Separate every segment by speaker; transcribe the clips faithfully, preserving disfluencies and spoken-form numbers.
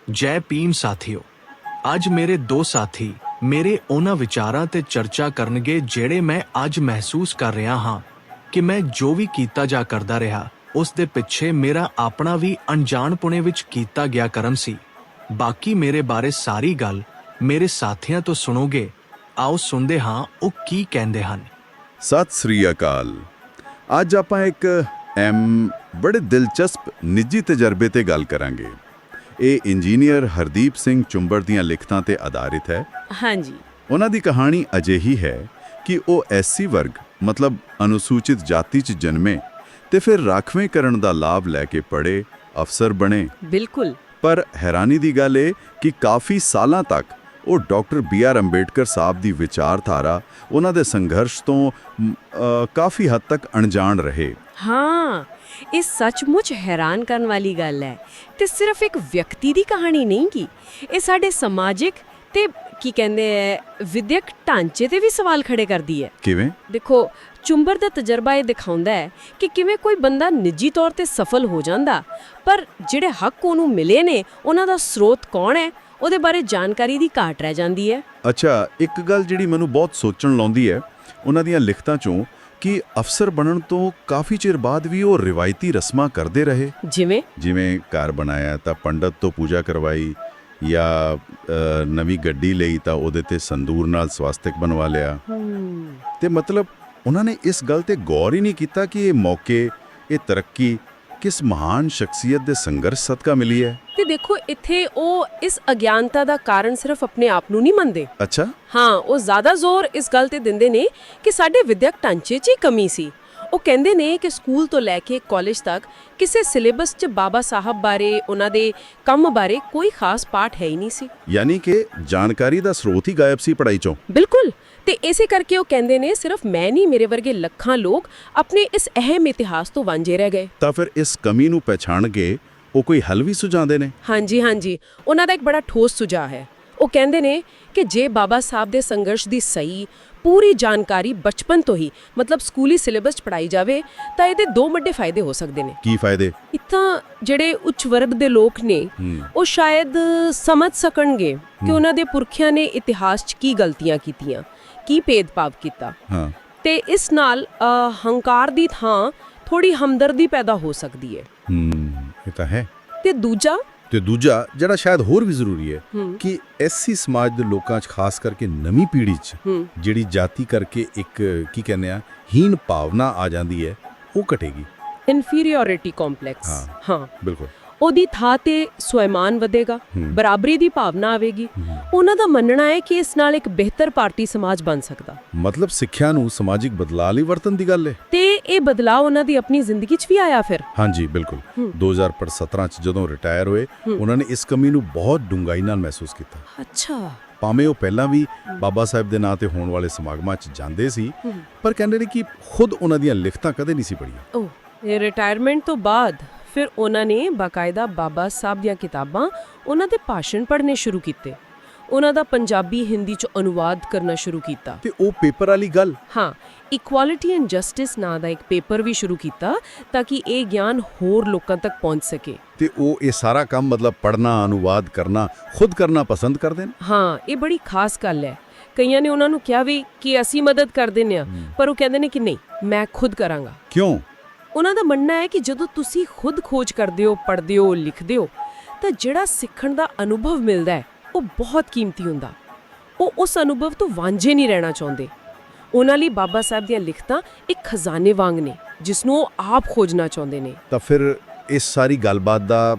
Speaker 1: ਜੈ ਭੀਮ ਸਾਥੀਓ। ਅੱਜ ਮੇਰੇ ਦੋ ਸਾਥੀ ਮੇਰੇ ਉਹਨਾਂ ਵਿਚਾਰਾਂ ਤੇ ਚਰਚਾ ਕਰਨਗੇ ਜਿਹੜੇ ਮੈਂ ਅੱਜ ਮਹਿਸੂਸ ਕਰ ਰਿਹਾ ਹਾਂ ਕਿ ਮੈਂ ਜੋ ਵੀ ਕੀਤਾ ਜਾ ਕਰਦਾ ਰਿਹਾ ਉਸ ਦੇ ਪਿੱਛੇ ਮੇਰਾ ਆਪਣਾ ਵੀ ਅਣਜਾਣਪੁਣੇ ਵਿੱਚ ਕੀਤਾ ਗਿਆ ਕਰਮ ਸੀ। ਬਾਕੀ ਮੇਰੇ ਬਾਰੇ ਸਾਰੀ ਗੱਲ ਮੇਰੇ ਸਾਥੀਆਂ ਤੋਂ ਸੁਣੋਗੇ। ਆਓ ਸੁਣਦੇ ਹਾਂ ਉਹ ਕੀ ਕਹਿੰਦੇ ਹਨ।
Speaker 2: ਸਤਿ ਸ੍ਰੀ ਅਕਾਲ। ਅੱਜ ਆਪਾਂ ਇੱਕ ਐਮ ਬੜੇ ਦਿਲਚਸਪ ਨਿੱਜੀ ਤਜਰਬੇ ਤੇ ਗੱਲ ਕਰਾਂਗੇ। ਇਹ ਇੰਜੀਨੀਅਰ ਹਰਦੀਪ ਸਿੰਘ ਚੁੰਬੜ ਦੀਆਂ ਲਿਖਤਾਂ ਤੇ ਆਧਾਰਿਤ ਹੈ।
Speaker 3: ਹਾਂਜੀ।
Speaker 2: ਉਹਨਾਂ ਦੀ ਕਹਾਣੀ ਅਜਿਹੀ ਹੈ ਕਿ ਉਹ ਐਸਸੀ ਵਰਗ ਮਤਲਬ ਅਨੁਸੂਚਿਤ ਜਾਤੀ 'ਚ ਜਨਮੇ ਤੇ ਫਿਰ ਰਾਖਵੇਂਕਰਨ ਦਾ ਲਾਭ ਲੈ ਕੇ ਪੜ੍ਹੇ, ਅਫਸਰ ਬਣੇ।
Speaker 3: ਬਿਲਕੁਲ।
Speaker 2: ਪਰ ਹੈਰਾਨੀ ਦੀ ਗੱਲ ਇਹ ਕਿ ਕਾਫੀ ਸਾਲਾਂ ਤੱਕ ਉਹ doctor B R Ambedkar sahib ਦੀ ਵਿਚਾਰਧਾਰਾ, ਉਹਨਾਂ ਦੇ ਸੰਘਰਸ਼ ਤੋਂ ਅ, ਕਾਫੀ ਹੱਦ ਤੱਕ ਅਣਜਾਣ ਰਹੇ।
Speaker 3: ਹਾਂ, ਇਹ ਸੱਚਮੁੱਚ ਹੈਰਾਨ ਕਰਨ ਵਾਲੀ ਗੱਲ ਹੈ ਤੇ ਸਿਰਫ ਇੱਕ ਵਿਅਕਤੀ ਦੀ ਕਹਾਣੀ ਨਹੀਂ ਗੀ। ਇਹ ਸਾਡੇ ਸਮਾਜਿਕ ਤੇ ਕੀ ਕਹਿੰਦੇ ਹੈ ਵਿਦਿਅਕ ਢਾਂਚੇ ਤੇ ਵੀ ਸਵਾਲ ਖੜੇ ਕਰਦੀ ਹੈ।
Speaker 2: ਕਿਵੇਂ?
Speaker 3: ਦੇਖੋ, ਚੁੰਬੜ ਦਾ ਤਜਰਬਾ ਇਹ ਦਿਖਾਉਂਦਾ ਹੈ ਕਿ ਕਿਵੇਂ ਕੋਈ ਬੰਦਾ ਨਿੱਜੀ ਤੌਰ ਤੇ ਸਫਲ ਹੋ ਜਾਂਦਾ, ਪਰ ਜਿਹੜੇ ਹੱਕ ਉਹਨੂੰ ਮਿਲੇ ਨੇ ਉਹਨਾਂ ਦਾ ਸਰੋਤ ਕੌਣ ਹੈ ਉਹਦੇ ਬਾਰੇ ਜਾਣਕਾਰੀ ਦੀ ਘਾਟ ਰਹਿ ਜਾਂਦੀ ਹੈ।
Speaker 2: ਅੱਛਾ, ਇੱਕ ਗੱਲ ਜਿਹੜੀ ਮੈਨੂੰ ਬਹੁਤ ਸੋਚਣ ਲਾਉਂਦੀ ਹੈ ਉਹਨਾਂ ਦੀਆਂ ਲਿਖਤਾਂ 'ਚੋਂ ਕਿ ਅਫਸਰ ਬਣਨ ਤੋਂ ਕਾਫੀ ਚਿਰ ਬਾਅਦ ਵੀ ਉਹ ਰਿਵਾਇਤੀ ਰਸਮਾਂ ਕਰਦੇ ਰਹੇ।
Speaker 3: ਜਿਵੇਂ
Speaker 2: ਜਿਵੇਂ ਘਰ ਬਣਾਇਆ ਤਾਂ ਪੰਡਤ ਤੋਂ ਪੂਜਾ ਕਰਵਾਈ, ਜਾਂ ਅ, ਨਵੀਂ ਗੱਡੀ ਲਈ ਤਾਂ ਉਹਦੇ ਤੇ ਸੰਦੂਰ ਨਾਲ ਸਵਾਸਤਿਕ ਬਣਵਾ ਲਿਆ। ਤੇ ਮਤਲਬ ਉਹਨਾਂ ਨੇ ਇਸ ਗੱਲ ਤੇ ਗੌਰ ਹੀ ਨਹੀਂ ਕੀਤਾ ਕਿ ਇਹ ਮੌਕੇ, ਇਹ ਤਰੱਕੀ ਕਿਸ ਮਹਾਨ ਸ਼ਖਸੀਅਤ ਦੇ ਸੰਘਰਸ਼ ਸਦਕਾ ਮਿਲੀ ਹੈ।
Speaker 3: ਤੇ ਦੇਖੋ, ਇੱਥੇ ਉਹ ਇਸ ਅਗਿਆਨਤਾ ਦਾ ਕਾਰਨ ਸਿਰਫ ਆਪਣੇ ਆਪ ਨੂੰ ਨਹੀਂ ਮੰਨਦੇ।
Speaker 2: ਅੱਛਾ।
Speaker 3: ਹਾਂ, ਉਹ ਜ਼ਿਆਦਾ ਜ਼ੋਰ ਇਸ ਗੱਲ ਤੇ ਦਿੰਦੇ ਨੇ ਕਿ ਸਾਡੇ ਵਿਦਿਅਕ ਢਾਂਚੇ 'ਚ ਹੀ ਕਮੀ ਸੀ। ਉਹ ਕਹਿੰਦੇ ਨੇ ਕਿ ਸਕੂਲ ਤੋਂ ਲੈ ਕੇ ਕਾਲਜ ਤੱਕ ਕਿਸੇ ਸਿਲੇਬਸ 'ਚ ਬਾਬਾ ਸਾਹਿਬ ਬਾਰੇ, ਉਹਨਾਂ ਦੇ ਕੰਮ ਬਾਰੇ ਕੋਈ ਖਾਸ ਪਾਠ ਹੈ ਹੀ ਨਹੀਂ ਸੀ।
Speaker 2: ਯਾਨੀ ਕਿ ਜਾਣਕਾਰੀ ਦਾ ਸਰੋਤ ਹੀ ਗਾਇਬ ਸੀ ਪੜ੍ਹਾਈ 'ਚੋਂ।
Speaker 3: ਬਿਲਕੁਲ। ਤੇ ਇਸੇ ਕਰਕੇ ਉਹ ਕਹਿੰਦੇ ਨੇ ਸਿਰਫ ਮੈਂ ਨਹੀਂ, ਮੇਰੇ ਵਰਗੇ ਲੱਖਾਂ ਲੋਕ ਆਪਣੇ ਇਸ ਅਹਿਮ ਇਤਿਹਾਸ ਤੋਂ ਵਾਂਝੇ ਰਹਿ ਗਏ।
Speaker 2: ਤਾਂ ਫਿਰ ਇਸ ਕਮੀ ਨੂੰ ਪਛਾਣ ਕੇ ਉਹ ਕੋਈ ਹੱਲ ਵੀ ਸੁਝਾਉਂਦੇ ਨੇ।
Speaker 3: ਹਾਂਜੀ ਹਾਂਜੀ, ਉਹਨਾਂ ਦਾ ਇੱਕ ਬੜਾ ਠੋਸ ਸੁਝਾਅ ਹੈ। ਉਹ ਕਹਿੰਦੇ ਨੇ ਕਿ ਜੇ ਬਾਬਾ ਸਾਹਿਬ ਦੇ ਸੰਘਰਸ਼ ਦੀ ਸਹੀ ਪੂਰੀ ਜਾਣਕਾਰੀ ਬਚਪਨ ਤੋਂ ਹੀ ਮਤਲਬ ਸਕੂਲੀ ਸਿਲੇਬਸ 'ਚ ਪੜਾਈ ਜਾਵੇ ਤਾਂ ਇਹਦੇ ਦੋ ਵੱਡੇ ਫਾਇਦੇ ਹੋ ਸਕਦੇ ਨੇ।
Speaker 2: ਕੀ ਫਾਇਦੇ?
Speaker 3: ਇੱਥਾਂ ਜਿਹੜੇ ਉੱਚ ਵਰਗ ਦੇ ਲੋਕ ਨੇ ਉਹ ਸ਼ਾਇਦ ਸਮਝ ਸਕਣਗੇ ਕਿ ਉਹਨਾਂ ਦੇ ਪੁਰਖਿਆਂ ਨੇ ਇਤਿਹਾਸ 'ਚ ਕੀ ਗਲਤੀਆਂ ਕੀਤੀਆਂ, ਕੀ ਭੇਦਭਾਵ ਕੀਤਾ।
Speaker 2: ਹਾਂ।
Speaker 3: ਤੇ ਇਸ ਨਾਲ ਹੰਕਾਰ ਦੀ ਥਾਂ ਥੋੜੀ ਹਮਦਰਦੀ ਪੈਦਾ ਹੋ ਸਕਦੀ ਹੈ।
Speaker 2: ਹੂੰ, ਇਹ ਤਾਂ ਹੈ।
Speaker 3: ਤੇ ਦੂਜਾ
Speaker 2: ਤੇ ਦੂਜਾ ਜਿਹੜਾ ਸ਼ਾਇਦ ਹੋਰ ਵੀ ਜ਼ਰੂਰੀ ਹੈ ਕਿ ਐਸੀ ਸਮਾਜ ਦੇ ਲੋਕਾਂ 'ਚ ਖਾਸ ਕਰਕੇ ਨਵੀਂ ਪੀੜ੍ਹੀ 'ਚ ਜਿਹੜੀ ਜਾਤੀ ਕਰਕੇ ਇੱਕ ਕੀ ਕਹਿੰਦੇ ਆ ਹੀਨ ਭਾਵਨਾ ਆ ਜਾਂਦੀ ਹੈ, ਉਹ ਘਟੇਗੀ।
Speaker 3: Inferiority complex. ਹਾਂ,
Speaker 2: ਬਿਲਕੁਲ।
Speaker 3: ਉਹਦੀ ਥਾਂ ਤੇ ਸਵੈਮਾਨ ਵਧੇਗਾ, ਬਰਾਬਰੀ ਦੀ ਭਾਵਨਾ ਆਵੇਗੀ। ਉਹਨਾਂ ਦਾ ਮੰਨਣਾ ਹੈ ਕਿ ਇਸ ਨਾਲ ਇੱਕ ਬਿਹਤਰ ਭਾਰਤੀ ਸਮਾਜ ਬਣ ਸਕਦਾ।
Speaker 2: ਮਤਲਬ ਸਿੱਖਿਆ ਨੂੰ ਸਮਾਜਿਕ ਬਦਲਾਅ ਲਈ ਵਰਤਣ ਦੀ ਗੱਲ ਹੈ।
Speaker 3: ਤੇ ਇਹ ਬਦਲਾਅ ਉਹਨਾਂ ਦੀ ਆਪਣੀ ਜ਼ਿੰਦਗੀ 'ਚ ਵੀ ਆਇਆ ਫਿਰ।
Speaker 2: ਹਾਂਜੀ, ਬਿਲਕੁਲ। ਦੋ ਹਜ਼ਾਰ ਸਤਾਰਾਂ 'ਚ ਜਦੋਂ ਰਿਟਾਇਰ ਹੋਏ ਉਹਨਾਂ ਨੇ ਇਸ ਕਮੀ ਨੂੰ ਬਹੁਤ ਡੂੰਘਾਈ ਨਾਲ ਮਹਿਸੂਸ ਕੀਤਾ।
Speaker 3: ਅੱਛਾ।
Speaker 2: ਭਾਵੇਂ ਉਹ ਪਹਿਲਾਂ ਵੀ ਬਾਬਾ ਸਾਹਿਬ ਦੇ ਨਾਂ ਤੇ ਹੋਣ ਵਾਲੇ ਸਮਾਗਮਾਂ 'ਚ ਜਾਂਦੇ ਸੀ, ਪਰ ਕਹਿੰਦੇ ਨੇ ਕਿ ਖੁਦ ਉਹਨਾਂ ਦੀਆਂ ਲਿਖਤਾਂ ਕਦੇ ਨਹੀਂ ਸੀ ਪੜ੍ਹੀਆਂ।
Speaker 3: ਓਹ, ਇਹ ਰਿਟਾਇਰਮੈਂਟ ਤੋਂ ਬਾਅਦ ਫਿਰ ਉਹਨਾਂ ਨੇ ਬਾਕਾਇਦਾ ਬਾਬਾ ਸਾਹਿਬ ਦੀਆਂ ਕਿਤਾਬਾਂ, ਉਹਨਾਂ ਦੇ ਭਾਸ਼ਣ ਪੜ੍ਹਨੇ ਸ਼ੁਰੂ ਕੀਤੇ। ਉਹਨਾਂ ਦਾ ਪੰਜਾਬੀ ਹਿੰਦੀ 'ਚ ਅਨੁਵਾਦ ਕਰਨਾ ਸ਼ੁਰੂ ਕੀਤਾ।
Speaker 2: ਤੇ ਉਹ ਪੇਪਰ ਵਾਲੀ ਗੱਲ,
Speaker 3: ਹਾਂ, ਇਕੁਐਲਿਟੀ ਐਂਡ ਜਸਟਿਸ ਨਾਂ ਦਾ ਇੱਕ ਪੇਪਰ ਵੀ ਸ਼ੁਰੂ ਕੀਤਾ ਤਾਂ ਕਿ ਇਹ ਗਿਆਨ ਹੋਰ ਲੋਕਾਂ ਤੱਕ ਪਹੁੰਚ ਸਕੇ।
Speaker 2: ਤੇ ਉਹ ਇਹ ਸਾਰਾ ਕੰਮ ਮਤਲਬ ਪੜ੍ਹਨਾ, ਅਨੁਵਾਦ ਕਰਨਾ, ਖੁਦ ਕਰਨਾ ਪਸੰਦ ਕਰਦੇ ਨੇ।
Speaker 3: ਹਾਂ, ਇਹ ਬੜੀ ਖਾਸ ਗੱਲ ਹੈ। ਕਈਆਂ ਨੇ ਉਹਨਾਂ ਨੂੰ ਕਿਹਾ ਵੀ ਕਿ ਅਸੀਂ ਮਦਦ ਕਰ ਦਿੰਦੇ ਹਾਂ, ਪਰ ਉਹ ਕਹਿੰਦੇ ਨੇ ਕਿ ਨਹੀਂ, ਮੈਂ ਖੁਦ ਕਰਾਂਗਾ।
Speaker 2: ਕਿਉਂ?
Speaker 3: ਉਹਨਾਂ ਦਾ ਮੰਨਣਾ ਹੈ ਕਿ ਜਦੋਂ ਤੁਸੀਂ ਖੁਦ ਖੋਜ ਕਰਦੇ ਹੋ, ਪੜ੍ਹਦੇ ਹੋ, ਲਿਖਦੇ ਹੋ ਤਾਂ ਜਿਹੜਾ ਸਿੱਖਣ ਦਾ ਅਨੁਭਵ ਮਿਲਦਾ ਹੈ ਉਹ ਬਹੁਤ ਕੀਮਤੀ ਹੁੰਦਾ। ਉਹ ਉਸ ਅਨੁਭਵ ਤੋਂ ਵਾਂਝੇ ਨਹੀਂ ਰਹਿਣਾ ਚਾਹੁੰਦੇ। ਉਹਨਾਂ ਲਈ ਬਾਬਾ ਸਾਹਿਬ ਦੀਆਂ ਲਿਖਤਾਂ ਇੱਕ ਖਜ਼ਾਨੇ ਵਾਂਗ ਨੇ ਜਿਸ ਨੂੰ ਉਹ ਆਪ ਖੋਜਣਾ ਚਾਹੁੰਦੇ ਨੇ।
Speaker 2: ਤਾਂ ਫਿਰ ਇਸ ਸਾਰੀ ਗੱਲਬਾਤ ਦਾ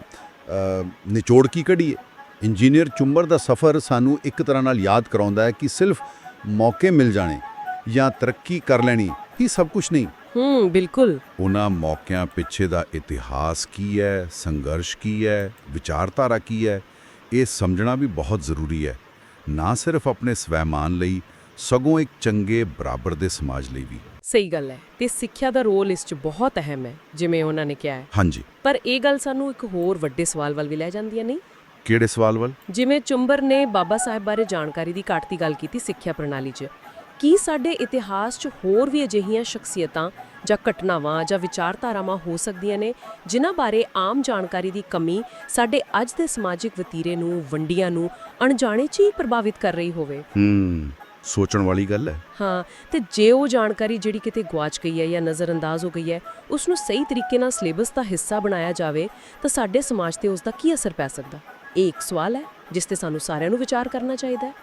Speaker 2: ਨਿਚੋੜ ਕੀ ਕੱਢੀਏ? ਇੰਜੀਨੀਅਰ ਚੁੰਬੜ ਦਾ ਸਫ਼ਰ ਸਾਨੂੰ ਇੱਕ ਤਰ੍ਹਾਂ ਨਾਲ ਯਾਦ ਕਰਾਉਂਦਾ ਹੈ ਕਿ ਸਿਰਫ ਮੌਕੇ ਮਿਲ ਜਾਣੇ ਜਾਂ ਤਰੱਕੀ ਕਰ ਲੈਣੀ ਹੀ ਸਭ ਕੁਝ ਨਹੀਂ।
Speaker 3: ਹੂੰ, ਬਿਲਕੁਲ।
Speaker 2: ਉਹਨਾਂ ਮੌਕਿਆਂ ਪਿੱਛੇ ਦਾ ਇਤਿਹਾਸ ਕੀ ਹੈ, ਸੰਘਰਸ਼ ਕੀ ਹੈ, ਵਿਚਾਰਧਾਰਾ ਕੀ ਹੈ, ਇਹ ਸਮਝਣਾ ਵੀ ਬਹੁਤ ਜ਼ਰੂਰੀ ਹੈ। ਨਾ ਸਿਰਫ ਆਪਣੇ ਸਵੈਮਾਨ ਲਈ, ਸਗੋਂ ਇੱਕ ਚੰਗੇ ਬਰਾਬਰ ਦੇ ਸਮਾਜ ਲਈ ਵੀ।
Speaker 3: ਸਹੀ ਗੱਲ ਹੈ। ਤੇ ਸਿੱਖਿਆ ਦਾ ਰੋਲ ਇਸ 'ਚ ਬਹੁਤ ਅਹਿਮ ਹੈ, ਜਿਵੇਂ ਉਹਨਾਂ ਨੇ ਕਿਹਾ ਹੈ।
Speaker 2: ਹਾਂਜੀ।
Speaker 3: ਪਰ ਇਹ ਗੱਲ ਸਾਨੂੰ ਇੱਕ ਹੋਰ ਵੱਡੇ ਸਵਾਲ ਵੱਲ ਵੀ ਲੈ ਜਾਂਦੀ ਹੈ, ਨਹੀਂ?
Speaker 2: ਕਿਹੜੇ ਸਵਾਲ ਵੱਲ?
Speaker 3: ਜਿਵੇਂ ਚੁੰਬੜ ਨੇ ਬਾਬਾ ਸਾਹਿਬ ਬਾਰੇ ਜਾਣਕਾਰੀ ਦੀ ਘਾਟ ਦੀ ਗੱਲ ਕੀਤੀ ਸਿੱਖਿਆ ਪ੍ਰਣਾਲੀ 'ਚ, ਕੀ ਸਾਡੇ ਇਤਿਹਾਸ 'ਚ ਹੋਰ ਵੀ ਅਜਿਹੀਆਂ ਸ਼ਖਸੀਅਤਾਂ ਜਾਂ ਘਟਨਾਵਾਂ ਜਾਂ ਵਿਚਾਰਧਾਰਾਵਾਂ ਹੋ ਸਕਦੀਆਂ ਨੇ ਜਿਨ੍ਹਾਂ ਬਾਰੇ ਆਮ ਜਾਣਕਾਰੀ ਦੀ ਕਮੀ ਸਾਡੇ ਅੱਜ ਦੇ ਸਮਾਜਿਕ ਵਤੀਰੇ ਨੂੰ, ਵੰਡੀਆਂ ਨੂੰ ਅਣਜਾਣੇ 'ਚ ਹੀ ਪ੍ਰਭਾਵਿਤ ਕਰ ਰਹੀ ਹੋਵੇ?
Speaker 2: ਹੂੰ ਸੋਚਣ ਵਾਲੀ ਗੱਲ ਹੈ।
Speaker 3: ਹਾਂ, ਤੇ ਜੇ ਉਹ ਜਾਣਕਾਰੀ ਜਿਹੜੀ ਕਿਤੇ ਗੁਆਚ ਗਈ ਹੈ ਜਾਂ ਨਜ਼ਰਅੰਦਾਜ਼ ਹੋ ਗਈ ਹੈ, ਉਸ ਨੂੰ ਸਹੀ ਤਰੀਕੇ ਨਾਲ ਸਿਲੇਬਸ ਦਾ ਹਿੱਸਾ ਬਣਾਇਆ ਜਾਵੇ ਤਾਂ ਸਾਡੇ ਸਮਾਜ ਤੇ ਉਸ ਦਾ ਕੀ ਅਸਰ ਪੈ ਸਕਦਾ? ਇਹ ਇੱਕ ਸਵਾਲ ਹੈ ਜਿਸ ਤੇ ਸਾਨੂੰ ਸਾਰਿਆਂ ਨੂੰ ਵਿਚਾਰ ਕਰਨਾ ਚਾਹੀਦਾ ਹੈ।